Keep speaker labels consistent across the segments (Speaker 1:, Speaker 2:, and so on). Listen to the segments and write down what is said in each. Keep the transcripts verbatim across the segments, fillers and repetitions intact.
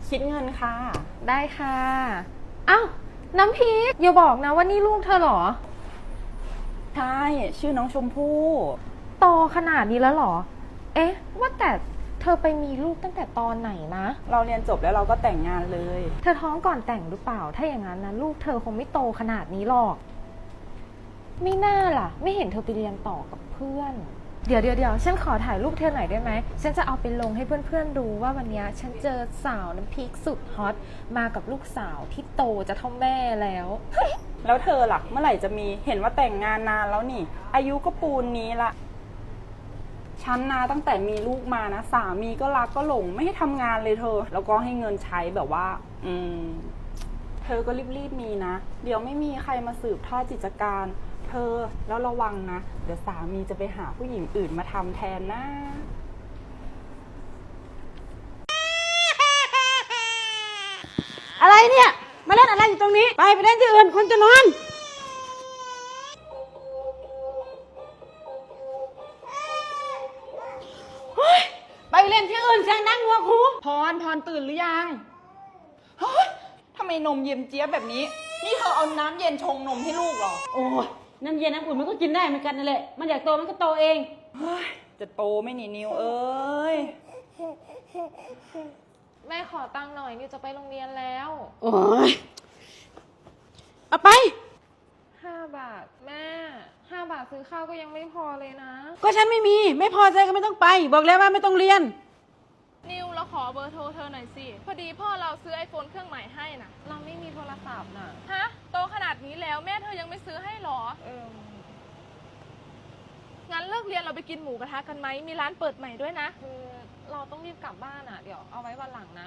Speaker 1: คิดเงินค่ะ
Speaker 2: ได้ค่ะอ้าวน้ำพริกอย่าบอกนะว่านี่ลูกเธอเหรอ
Speaker 1: ใช่ชื่อน้องชมพู่
Speaker 2: โตขนาดนี้แล้วเหรอเอ๊ะว่าแต่เธอไปมีลูกตั้งแต่ตอนไหนนะ
Speaker 1: เราเรียนจบแล้วเราก็แต่งงานเลย
Speaker 2: เธอท้องก่อนแต่งหรือเปล่าถ้าอย่างนั้นนะลูกเธอคงไม่โตขนาดนี้หรอกไม่น่าล่ะไม่เห็นเธอไปเรียนต่อกับเพื่อนเดี๋ยวเดี๋ยวเดี๋ยวฉันขอถ่ายรูปเธอหน่อยได้ไหมฉันจะเอาไปลงให้เพื่อนๆดูว่าวันนี้ฉันเจอสาวน้ำพริกสุดฮอตมากับลูกสาวที่โตจะเท่าแม่แล้ว
Speaker 1: แล้วเธอหลักเมื่อไหร่จะมีเห็นว่าแต่งงานนานแล้วนี่อายุก็ปูนนี้ละฉันนะตั้งแต่มีลูกมานะสามีก็รักก็หลงไม่ให้ทำงานเลยเธอแล้วก็ให้เงินใช้แบบว่าอืมเธอก็รีบๆมีนะเดี๋ยวไม่มีใครมาสืบทอดกิจการเธอแล้วระวังนะเดี๋ยวสามีจะไปหาผู้หญิงอื่นมาทำแทนนะ
Speaker 3: อะไรเนี่ยมาเล่นอะไรอยู่ตรงนี้ไปไปเล่นที่อื่นคนจะนอนไปเล่นที่อื่นเสียงดังหัวคู
Speaker 1: พรพรตื่นหรือยังเฮ้ยทำไมนมเย็นเจี๊ยบแบบนี้นี่เธอเอาน้ำเย็นชงนมให้ลูกเหรอ
Speaker 3: โอ้ยน้ำเย็นน้ำอุ่นมันก็กินได้เหมือนกันนั่นแหละมันอยากโตมันก็โตเอง
Speaker 1: เฮ้ยจะโตไม่หนีนิวเอ้ย
Speaker 2: แม่ขอตังค์หน่อยนิวจะไปโรงเรียนแล้ว
Speaker 3: โอ้ยเอาไป
Speaker 2: ห้าบาทแม่ห้าบาทซื้อข้าวก็ยังไม่พอเลยนะ
Speaker 3: ก็ฉันไม่มีไม่พอใจก็ไม่ต้องไปบอกแล้วว่าไม่ต้องเรียน
Speaker 4: นิวเราขอเบอร์โทรเธอหน่อยสิพอดีพ่อเราซื้อไอโฟนเครื่องใหม่ให้น่ะ
Speaker 2: เราไม่มีโทรศัพท์น่ะ
Speaker 4: ฮะโตขนาดนี้แล้วแม่เธอยังไม่ซื้อให้หรอ
Speaker 2: เออ
Speaker 4: งั้นเลิกเรียนเราไปกินหมูกระทะกันไหมมีร้านเปิดใหม่ด้วยนะ
Speaker 2: คือเราต้องรีบกลับบ้านอ่ะเดี๋ยวเอาไว้วันหลังนะ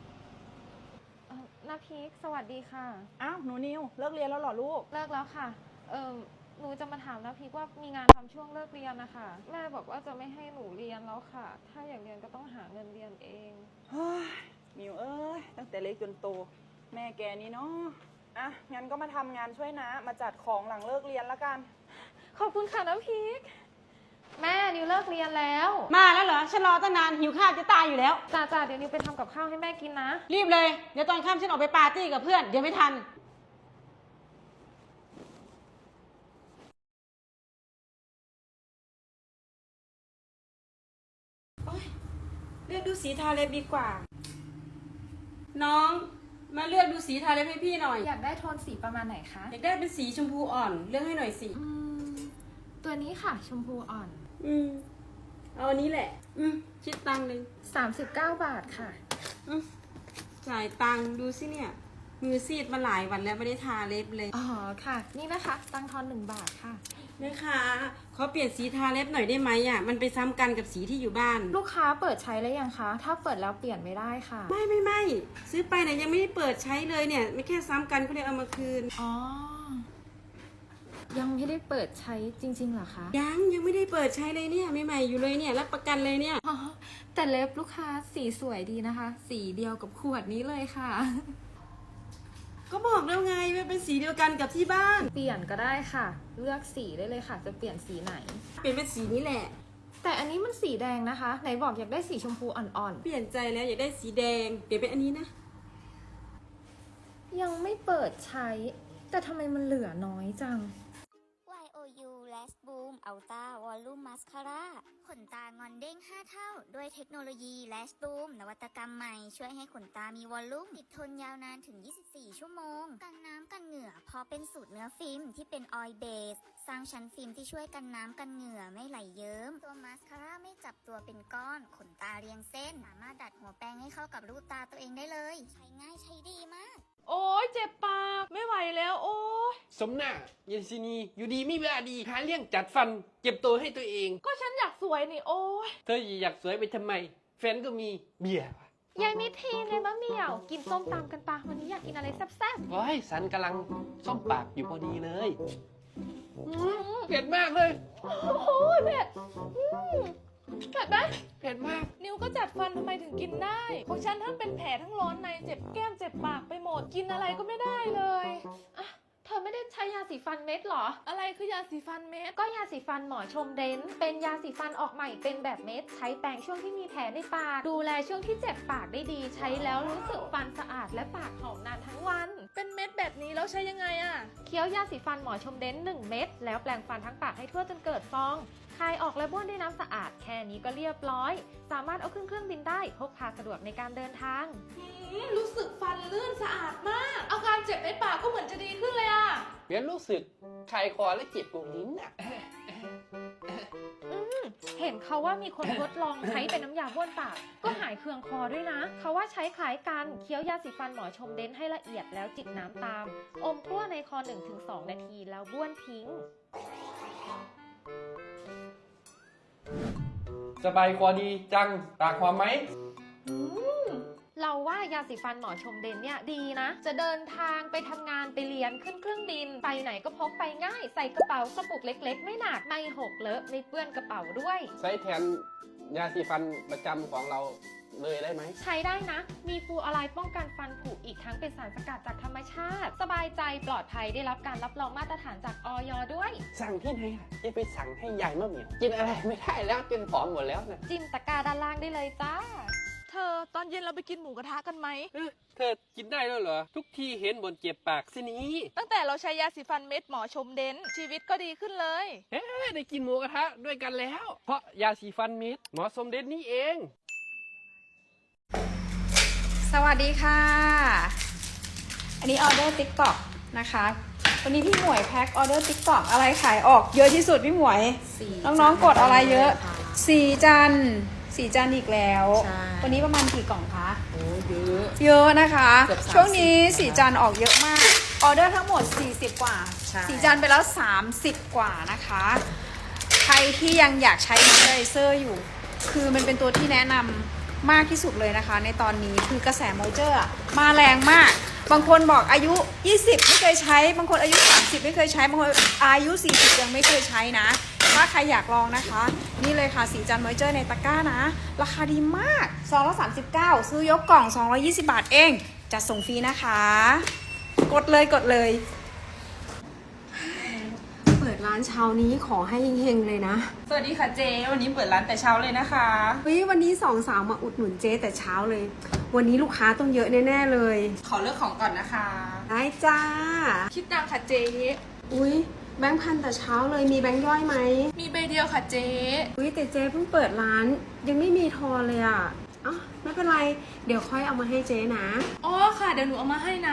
Speaker 2: นาพีคสวัสดีค่ะ
Speaker 1: อ้าวหนูนิวเลิกเรียนแล้วเหรอลูก
Speaker 2: เลิกแล้วค่ะเออหนูจะมาถามนาพีคว่ามีงานทำช่วงเลิกเรียนนะคะแม่บอกว่าจะไม่ให้หนูเรียนแล้วค่ะถ้าอยากเรียนก็ต้องหาเงินเรียนเอง
Speaker 1: เฮ้ยนิวเอ้ยตั้งแต่เล็กจนโตแม่แกนี่เนาะอ่ะงั้นก็มาทำงานช่วยนะมาจัดของหลังเลิกเรียนละกัน
Speaker 2: ขอบคุณค่ะนาพีคแม่นิวเลิกเรียนแล้ว
Speaker 3: มาแล้วเหรอฉันรอตั้งนานหิวข้าวจะตายอยู่แล้ว
Speaker 2: จ้าจ้าเดี๋ยวนิวไปทำกับข้าวให้แม่กินนะ
Speaker 3: รีบเลยเดี๋ยวตอนค่ำฉันออกไปปาร์ตี้กับเพื่อนเดี๋ยวไม่ทันเลือกดูสีทาเล็บดีกว่าน้องมาเลือกดูสีทาเล็บให้พี่หน่อย
Speaker 2: อยากได้โทนสีประมาณไหนคะ
Speaker 3: อยากได้เป็นสีชมพูอ่อนเลือกให้หน่อยสิ
Speaker 2: ตัวนี้ค่ะชมพูอ่อน
Speaker 3: อืมเอาอันนี้แหละอืมคิดตังค์เลย
Speaker 2: สามสิบเก้าบาทค่ะ
Speaker 3: อืมจ่ายตังค์ดูสิเนี่ยมือซีดมาหลายวันแล้วไม่ได้ทาเล็บเลย
Speaker 2: อ๋อค่ะนี่นะคะตังทอนหนึ่งบาทค่ะ
Speaker 3: แม่ค้าขอเปลี่ยนสีทาเล็บหน่อยได้ไหมอ่ะมันไปซ้ำกันกับสีที่อยู่บ้าน
Speaker 2: ลูกค้าเปิดใช้แล้วยังคะถ้าเปิดแล้วเปลี่ยนไม่ได้ค่ะ
Speaker 3: ไม่ไม่ไม่ซื้อไปเนี่ยยังไม่ได้เปิดใช้เลยเนี่ยไม่แค่ซ้ำกันเขาเลยเอามาคืน
Speaker 2: อ๋อยังไม่ได้เปิดใช้จริงๆเหรอคะ
Speaker 3: ยังยังไม่ได้เปิดใช้เลยเนี่ยใหม่ๆอยู่เลยเนี่ยรับประกันเลยเนี่ย
Speaker 2: อ๋อแต่เล็บลูกค้าสีสวยดีนะคะสีเดียวกับขวดนี้เลยค่ะ
Speaker 3: ก็บอกแล้วไงว่าเป็นสีเดียวกันกับที่บ้าน
Speaker 2: เปลี่ยนก็ได้ค่ะเลือกสีได้เลยค่ะจะเปลี่ยนสีไหน
Speaker 3: เปลี่ยนเป็นสีนี้แหละ
Speaker 2: แต่อันนี้มันสีแดงนะคะไหนบอกอยากได้สีชมพูอ่อน
Speaker 3: ๆเปลี่ยนใจแล้วอยากได้สีแดงเปลี่ยนเป็นอันนี้นะ
Speaker 2: ยังไม่เปิดใช้แต่ทำไมมันเหลือน้อยจัง
Speaker 5: วาย โอ ยู Lash Boom Ultra Volume Mascara ขนตางอนเด้งห้าเท่าด้วยเทคโนโลยี Lash Boom นวัตกรรมใหม่ช่วยให้ขนตามีวอลลุ่มติดทนยาวนานถึงยี่สิบสี่ชั่วโมงกันน้ำกันเหงื่อเพราะเป็นสูตรเนื้อฟิล์มที่เป็นออยล์เบสสร้างชั้นฟิล์มที่ช่วยกันน้ำกันเหงื่อไม่ไหลเยิ้มตัวมาสคาร่าไม่จับตัวเป็นก้อนขนตาเรียงเส้นสามารถดัดหัวแปรงให้เข้ากับรูปตาตัวเองได้เลยใช้ง่ายใช้ดีมาก
Speaker 4: โอ้ยเจ็บปากไม่ไหวแล้วโอ้ย
Speaker 6: สมหน้าเย็นซีนีอยู่ดีไม่เวลาดีหาเรื่องจัดฟันเจ็บตัวให้ตัวเอง
Speaker 4: ก็ฉันอยากสวยนี่โอ้ย
Speaker 6: เธออยากสวยไปทำไมแฟนก็มีเบียร์
Speaker 2: ยายมิทีในมะเหมี่ยวกินส้มตำกันปะวันนี้อยากกินอะไรแซ่บ
Speaker 6: ๆว้ายสันกำลังส้มปากอยู่พอดีเลยเผ็ดมากเลย
Speaker 4: โอ้ยเผ็ดเผ็ดไหม
Speaker 6: เผ็ดมาก
Speaker 4: นิวก็จัดฟันทำไมถึงกินได้ของฉันทั้งเป็นแผลทั้งร้อนในเจ็บแก้มเจ็บปากไปหมดกินอะไรก็ไม่ได้เลยอ่ะเธอ
Speaker 2: อไม่ได้ใช้ยาสีฟันเม็ดเหรอ
Speaker 4: อะไรคือยาสีฟันเม็ด
Speaker 2: ก็ยาสีฟันหมอชมเดนเป็นยาสีฟันออกใหม่เป็นแบบเม็ด ใช้แปรงช่วงที่มีแผลในปาก ดูแลช่วงที่เจ็บปากได้ดี ใช้แล้วรู้สึกฟันสะอาดและปากหอมนานทั้งวัน
Speaker 4: เป็นเม็ดแบบนี้แล้วใช้ยังไงอะ
Speaker 2: เคี้ยวยาสีฟันหมอชมเดนหนึ่งเม็ดแล้วแปรงฟันทั้งปากให้ทั่วจนเกิดฟองคายออกและบ้วนด้วยน้ำสะอาดแค่นี้ก็เรียบร้อย สามารถเอาขึ้นเครื่องบินได้พกพาสะดวกในการเดินทาง
Speaker 4: อืมรู้สึกฟันลื่นสะอาดมาก อาการเจ็บในปากก็เหมือนจะดีขึ้นเลยอะ
Speaker 6: เวียนรู้สึกคายคอและเจ็บตรงลิ้นอ่ะ
Speaker 2: เห็นเขาว่ามีคนทดลองใช้เป็นน้ำยาบ้วนปาก ก็หายเคืองคอด้วยนะ เขาว่าใช้คล้ายกันเคี้ยวยาสีฟันหมอชมเดนให้ละเอียดแล้วจิบน้ำตาม อมกลั้วในคอ หนึ่งถึงสอง นาทีแล้วบ้วนทิ้ง
Speaker 6: สบายคอดีจังปากหอมไหม
Speaker 2: เราว่ายาสีฟันหมอชมเดนเนี่ยดีนะ จะเดินทางไปทำงานไปเรียนขึ้นเครื่องบิน ไปไหนก็พกไปง่าย ใส่กระเป๋ากระปุกเล็กๆ ไม่หนักไม่หกเลอะไม่เปื้อนกระเป๋าด้วย
Speaker 6: ใช้แทนยาสีฟันประจำของเราเลยได้ไหม
Speaker 2: ใช้ได้นะ มีฟลูออไรด์ป้องกันฟันผุอีกทั้งเป็นสารสกัดจากธรรมชาติ สบายใจปลอดภัยได้รับการรับรองมาตรฐานจากอย ด้วย
Speaker 6: สั่งที่ไหนล่ะจะไปสั่งให้ยายมะเหมียวกินอะไรไม่ได้แล้วจนผอมหมดแล้วนะ
Speaker 2: จิ้มตะกร้าด้านล่างได้เลยจ้า
Speaker 4: เธอตอนเย็นเราไปกินหมูกระทะกันไหม
Speaker 6: เอ้อเธอกินได้แล้วเหรอ ทุกทีเห็นบนเจ็บปากสินี้
Speaker 4: ตั้งแต่เราใช้ยาสีฟันเม็ดหมอชมเดนชีวิตก็ดีขึ้นเลย
Speaker 6: เอ๊ะได้กินหมูกระทะด้วยกันแล้ว เพราะยาสีฟันเม็ดหมอสมเด็จนี่เอง
Speaker 3: สวัสดีค่ะ อันนี้ออเดอร์ติ๊กต็อกนะคะวันนี้พี่หมวยแพ็คออเดอร์ติ๊กต็อกอะไรขายออกเยอะที่สุดพี่หมวย น้องๆกดอะไรเยอะสี่จานสี่จานอีกแล้ว วันนี้ประมาณกี่กล่องคะ
Speaker 1: โอ้เยอะ
Speaker 3: เยอะนะคะ
Speaker 1: เกือบสามสิบ
Speaker 3: ช่วงนี้สี่จานออกเยอะมาก ออเดอร์ทั้งหมดสี่สิบกว่า
Speaker 1: ใช่
Speaker 3: สี่จานไปแล้วสามสิบกว่านะคะ ใครที่ยังอยากใช้มอยเจอไรเซอร์อยู่ คือมันเป็นตัวที่แนะนำมากที่สุดเลยนะคะ ในตอนนี้คือกระแสมอยเจอร์อะมาแรงมาก บางคนบอกอายุยี่สิบไม่เคยใช้ บางคนอายุสามสิบไม่เคยใช้ บางคนอายุสี่สิบยังไม่เคยใช้นะ ถ้าใครอยากลองนะคะ นี่เลยค่ะสีจันมอยเจอร์ในตะกร้านะ ราคาดีมากซองละสามสิบเก้าซื้อยกกล่องสองร้อยยี่สิบบาทเองจัดส่งฟรีนะคะ กดเลยกดเลย
Speaker 7: เปิดร้านเช้านี้ขอให้เฮงๆเลยนะ
Speaker 1: สวัสดีค่ะเจ วันนี้เปิดร้านแต่เช้าเลยนะคะ
Speaker 7: เฮ้ยวันนี้สองสาวมาอุดหนุนเจ๊แต่เช้าเลย วันนี้ลูกค้าต้องเยอะแน่ๆเลย
Speaker 1: ขอเลือกของก่อนนะคะ
Speaker 7: ได้จ้า
Speaker 4: คิดตังค่ะเจ๊
Speaker 7: อุ้ยแบงค์พันแต่เช้าเลยมีแบงค์ย่อยไหม
Speaker 4: มีใบเดียวค่ะเจ๊
Speaker 7: อุ้ยแต่เจ๊เพิ่งเปิดร้านยังไม่มีทอนเลยอ่ะอ๋อไม่เป็นไร เดี๋ยวค่อยเอามาให้เจ๊นะ
Speaker 4: อ๋อค่ะเดี๋ยวหนูเอามาให้นะ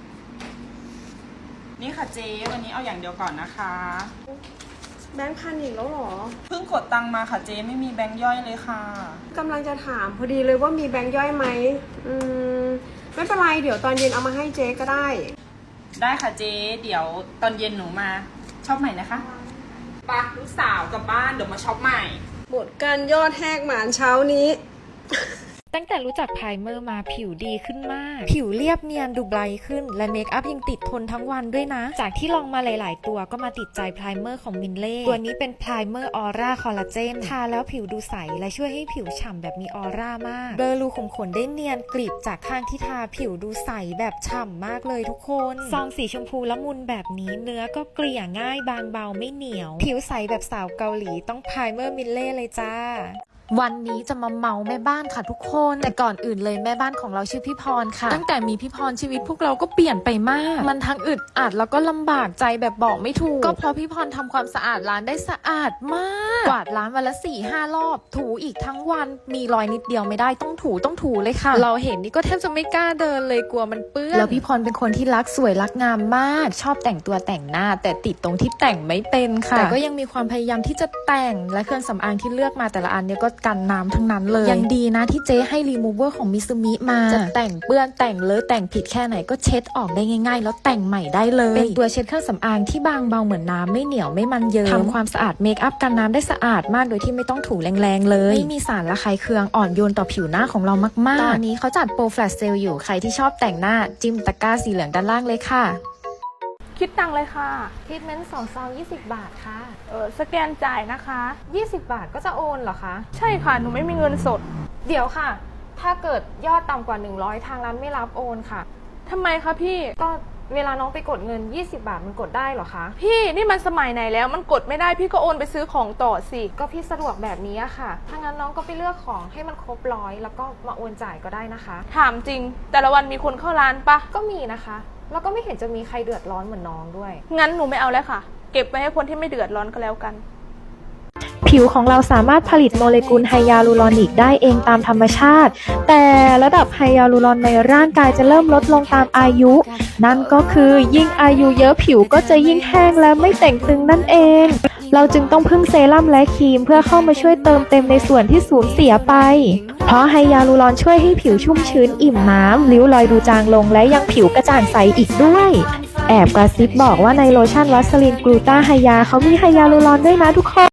Speaker 1: นี่ค่ะเจ วันนี้เอาอย่างเดียวก่อนนะคะ
Speaker 7: แบงค์พันอีกแล้วเหรอ
Speaker 1: เพิ่งกดตังค์มาค่ะเจ ไม่มีแบงค์ย่อยเลยค่ะ
Speaker 7: กำลังจะถามพอดีเลยว่ามีแบงค์ย่อยไหมอืมไม่เป็นไรเดี๋ยวตอนเย็นเอามาให้เจ๊ก็ได้
Speaker 1: ได้ค่ะเจ เดี๋ยวตอนเย็นหนูมาช็อปใหม่นะคะปะลูกสาวกลับบ้านเดี๋ยวมาช็อปใหม่
Speaker 7: หมดการยอดแหกหมานเช้านี้
Speaker 2: ตั้งแต่รู้จักไพรเมอร์มาผิวดีขึ้นมาก ผิวเรียบเนียนดูไบรท์ขึ้น และเมคอัพยังติดทนทั้งวันด้วยนะ จากที่ลองมาหลาย ๆ ตัวก็มาติดใจไพรเมอร์ของมินเล่ ตัวนี้เป็นไพรเมอร์ออร่าคอลลาเจน ทาแล้วผิวดูใส และช่วยให้ผิวฉ่ำแบบมีออร่ามาก เบลอรูขุมขนได้เนียนกริบจากข้างที่ทาผิวดูใสแบบฉ่ำมากเลยทุกคน ซองสีชมพูละมุนแบบนี้เนื้อก็เกลี่ยง่ายบางเบาไม่เหนียว ผิวใสแบบสาวเกาหลีต้องไพรเมอร์มินเล่เลยจ้า วันนี้จะมาเมาแม่บ้านค่ะทุกคน แต่ก่อนอื่นเลยแม่บ้านของเราชื่อพี่พรค่ะ ตั้งแต่มีพี่พรชีวิตพวกเราก็เปลี่ยนไปมาก มันทั้งอึดอัดแล้วก็ลำบากใจแบบบอกไม่ถูก ก็เพราะพี่พรทำความสะอาดร้านได้สะอาดมากกวาดร้านวันละสี่ห้ารอบ ถูอีกทั้งวันมีรอยนิดเดียวไม่ได้ต้องถูต้องถูเลยค่ะ เราเห็นนี่ก็แทบจะไม่กล้าเดินเลยกลัวมันเปื้อนแล้วพี่พรเป็นคนที่รักสวยรักงามมาก ชอบแต่งตัวแต่งหน้า แต่ติดตรงที่แต่งไม่เป็นค่ะแต่ก็ยังมีความพยายามที่จะแต่งและเครื่องสำอางที่เลือกมาแต่ละอันเนี่ยก็กันน้ำทั้งนั้นเลยยังดีนะที่เจ๊ให้รีมูเวอร์ของมิซูมิมาจะแต่งเปื้อนแต่งเลอะแต่งผิดแค่ไหนก็เช็ดออกได้ง่ายๆแล้วแต่งใหม่ได้เลยเป็นตัวเช็ดเครื่องสำอางที่บางเบาเหมือนน้ำไม่เหนียวไม่มันเยิ้มทำความสะอาดเมคอัพกันน้ำได้สะอาดมากโดยที่ไม่ต้องถูแรงๆเลยไม่มีสารระคายเคืองอ่อนโยนต่อผิวหน้าของเรามากๆตอนนี้เขาจัดโปรแฟลชเซลอยู่ใครที่ชอบแต่งหน้าจิ้มตะกร้าสีเหลืองด้านล่างเลยค่ะ
Speaker 4: คิดตังเลยค่ะ
Speaker 2: ทรีทเมนต์สองซองยี่สิบบาทค่ะ
Speaker 4: เออสแกนจ่ายนะคะ
Speaker 2: ยี่สิบบาทก็จะโอนเหรอคะ
Speaker 4: ใช่ค่ะหนูไม่มีเงินสด
Speaker 2: เดี๋ยวค่ะ ถ้าเกิดยอดต่ำกว่าหนึ่งร้อยทางร้านไม่รับโอนค่ะ
Speaker 4: ทำไมคะพี่
Speaker 2: ก็เวลาน้องไปกดเงินยี่สิบบาทมันกดได้เหรอคะ
Speaker 4: พี่นี่มันสมัยไหนแล้วมันกดไม่ได้พี่ก็โอนไปซื้อของต่อสิ
Speaker 2: ก็พี่สะดวกแบบนี้อะค่ะ ถ้างั้นน้องก็ไปเลือกของให้มันครบร้อยแล้วก็มาโอนจ่ายก็ได้นะคะ
Speaker 4: ถามจริง แต่ละวันมีคนเข้าร้านปะ
Speaker 2: ก็มีนะคะ แล้วก็ไม่เห็นจะมีใครเดือดร้อนเหมือนน้องด้วย
Speaker 4: งั้นหนูไม่เอาแล้วค่ะ เก็บไว้ให้คนที่ไม่เดือดร้อนก็แล้วกัน
Speaker 8: ผิวของเราสามารถผลิตโมเลกุลไฮยาลูรอนิกได้เองตามธรรมชาติ แต่ระดับไฮยาลูรอนในร่างกายจะเริ่มลดลงตามอายุ นั่นก็คือยิ่งอายุเยอะผิวก็จะยิ่งแห้งและไม่แต่งตึงนั่นเอง เราจึงต้องพึ่งเซรั่มและครีมเพื่อเข้ามาช่วยเติมเต็มในส่วนที่สูญเสียไป เพราะไฮยาลูรอนช่วยให้ผิวชุ่มชื้นอิ่มน้ำริ้วรอยดูจางลงและยังผิวกระจ่างใสอีกด้วย แอบกระซิบบอกว่าในโลชั่นวัสลินกลูตาไฮยาเขามีไฮยาลูรอนด้วยนะทุกคน